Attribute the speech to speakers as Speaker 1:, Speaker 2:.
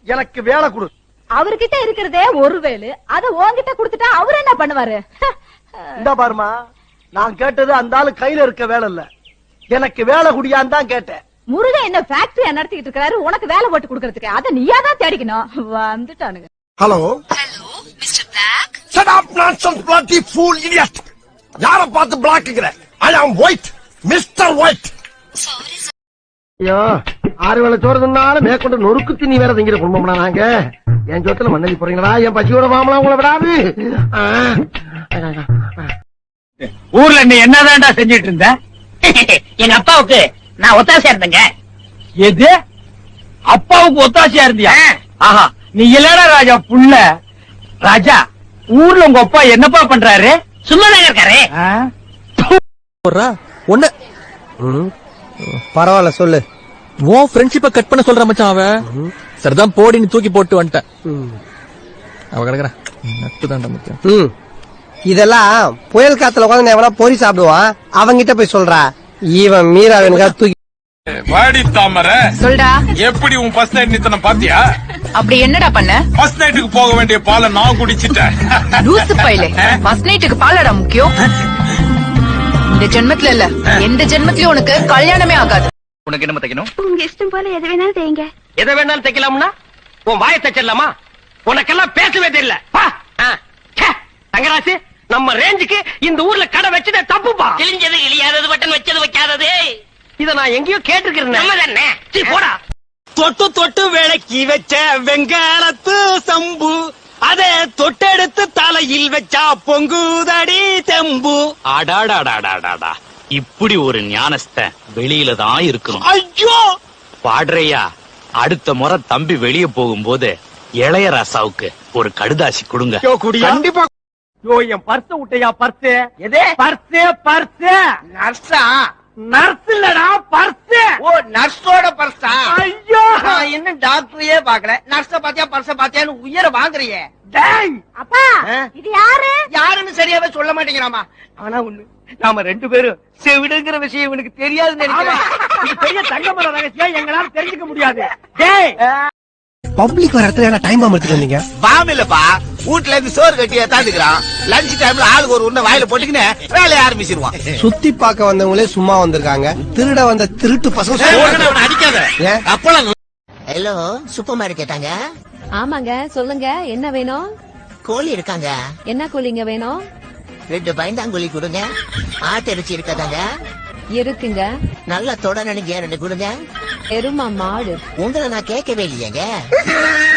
Speaker 1: எனக்கு வேலை கொடு.
Speaker 2: அவர்கிட்ட இருக்கிறதே ஒரு வேலு, அத உன்கிட்ட குடுத்துட்டா அவர் என்ன பண்ணுவாரு?
Speaker 1: இந்த பாருமா, நான் கேட்டது அந்த ஆளு கையில இருக்க வேலை இல்ல, எனக்கு வேலை குடியான்னு தான் கேட்டேன்.
Speaker 2: முருகன் என்ன ஃபேக்டரியா நடத்திட்டு இருக்காரு, உனக்கு வேலை போட்டு கொடுக்கறதுக்கு? அத நீயா தான் தேடிக்கணும். வந்துட்டானுங்க.
Speaker 1: Hello
Speaker 3: hello mister black.
Speaker 1: shut up nonsense bloody fool idiot. யார பார்த்து பிளாக்ங்கற? I am white, Mr. White.
Speaker 3: Sorry sir.
Speaker 1: ஐயோ, 6 வேளை சோறு தின்னாலும் மேற்கொண்டு நொறுக்கு தின்னி வேற திங்கிற குடும்பம்னா நாங்க. என் சொத்துல மண்ணலி போறீங்களா? என் பசியோட மாமலாம் உங்களை விடாது.
Speaker 4: ஊர்ல நீ என்னதான்டா செஞ்சிட்டு இருந்த?
Speaker 5: எங்க அப்பாவுக்கு நான் ஒத்தாசையா இருந்தேங்க.
Speaker 4: எது? அப்பாவுக்கு ஒத்தாசையா இருந்தியா? ஆஹா, நீ இல்லடா ராஜா புள்ள. ராஜா, ஊர்ல உங்க அப்பா என்னப்பா பண்றாரு?
Speaker 5: சும்மாதாங்க இருக்காரு.
Speaker 6: ஒண்ணு பரவாயில்ல சொல்லு. உன் ஃப்ரெண்ட்ஷிப்ப கட் பண்ண சொல்ற மச்சான் அவன். சரிதான் போடின்னு தூக்கி போட்டு வந்துட்டேன். அவ கிடக்குற நட்பு தான்டா முக்கியம்.
Speaker 7: இதெல்லாம் புயல் காத்துல உட்காந்து எவனா பொறி சாப்பிடுவான், அவங்கிட்ட போய் சொல்றா. இவன் மீரா வேணுக்கா தூக்கி
Speaker 8: வாடி தாமர.
Speaker 3: சொல்டா.
Speaker 8: எப்படி உன் ஃபர்ஸ்ட் நைட் நித்தன பாத்தியா?
Speaker 3: அப்படி என்னடா பண்ண?
Speaker 8: ஃபர்ஸ்ட் நைட்டுக்கு போக வேண்டிய பாலை நான் குடிச்சிட்டேன்.
Speaker 3: லூசு பையலே. ஃபர்ஸ்ட் நைட்டுக்கு பாலடா முக்கியம். இந்த ஜென்மத்துல இல்ல, எந்த ஜென்மத்திலயும் உனக்கு கல்யாணமே ஆகாது.
Speaker 4: உனக்கு என்ன தைக்கணும்?
Speaker 2: உங்க இஷ்டம் போல எது வேணாலும் தேங்க.
Speaker 5: எதை வேணாலும் தைக்கலாம்னா உன் வாயை தைச்சிடலாமா? உனக்கெல்லாம் பேசவே தெரியல. தங்கராசு, நம்ம ரேஞ்சுக்கு இந்த ஊர்ல கடை வச்சதே தப்புப்பா. கிழிஞ்சது கிழியாதது, பட்டன் வச்சது வைக்காதது. இத நான் எங்கேயோ கேட்டிருக்கிறேன். போடா.
Speaker 4: தொட்டு தொட்டு விளக்கி வச்ச வெங்காலத்து சம்பு, அதே தொட்டெடுத்து தலையில் வச்சா பொங்குதடி தெம்பு.
Speaker 9: அடாடாடாடாடாடா, இப்படி ஒரு ஞானஸ்த வெளியில தான் இருக்கணும்.
Speaker 4: ஐயோ
Speaker 9: பாடுறையா, அடுத்த முறை தம்பி வெளியே போகும்போது இளையராசாவுக்கு ஒரு கடுதாசி கொடுங்க.
Speaker 4: கண்டிப்பா. யோ, என் பர்ஸ் விட்டையா? பர்ஸ் எதே? Purse purse. நர்ஸா? நர்ஸ் இல்லடா, பர்ஸ். ஓ, நர்ஸோட பர்ஸா? ஐயோ, நான் இன்னும் டாக்டரையே பாக்கல, நர்ஸ பாத்தியா பர்ஸ பாத்தியான்னு உயர வாங்குறியே. டேய்
Speaker 2: அப்பா, இது யாரு?
Speaker 4: யாருன்னு சரியாவே சொல்ல மாட்டேங்கிறாமா. ஆனா ஒண்ணு, நாம 2 பேரும் செவிடுங்கிற விஷயம் இவனுக்கு தெரியாதுன்னு நினைக்கிறேன். இது பெரிய தங்கமர ரகசியம், எங்களால தெரிஞ்சுக்க முடியாது. டேய்,
Speaker 7: பப்ளிக் வர இடத்துல டைம் பாம்பு எடுத்துட்டு வந்தீங்க.
Speaker 1: பாம் இல்லப்பா, வீட்டுல இருந்து சோறு கட்டி தாந்துக்கிறான். லஞ்ச் டைம்ல ஆளுக்கு ஒரு உருண்டை வாயில போட்டுக்கின்னு வேலையை ஆரம்பிச்சிருவான்.
Speaker 7: சுத்தி பார்க்க வந்தவங்களே சும்மா வந்திருக்காங்க, திருட வந்த திருட்டு பசங்க
Speaker 1: அடிக்காத.
Speaker 7: அப்பளம்.
Speaker 5: ஹலோ, சூப்பர் மார்க்கெட்டாங்க?
Speaker 2: ஆமாங்க, சொல்லுங்க, என்ன வேணும்?
Speaker 5: கோழி இருக்காங்க?
Speaker 2: என்ன கூலிங்க வேணும்?
Speaker 5: 2 பயந்தாங்குழி கொடுங்க. ஆட்டிறைச்சி இருக்காதாங்க?
Speaker 2: இருக்குங்க.
Speaker 5: நல்லா தொடனனுங்க 2 கொடுங்க.
Speaker 2: எருமா மாடு.
Speaker 5: உங்களை நான் கேட்கவே இல்லையேங்க.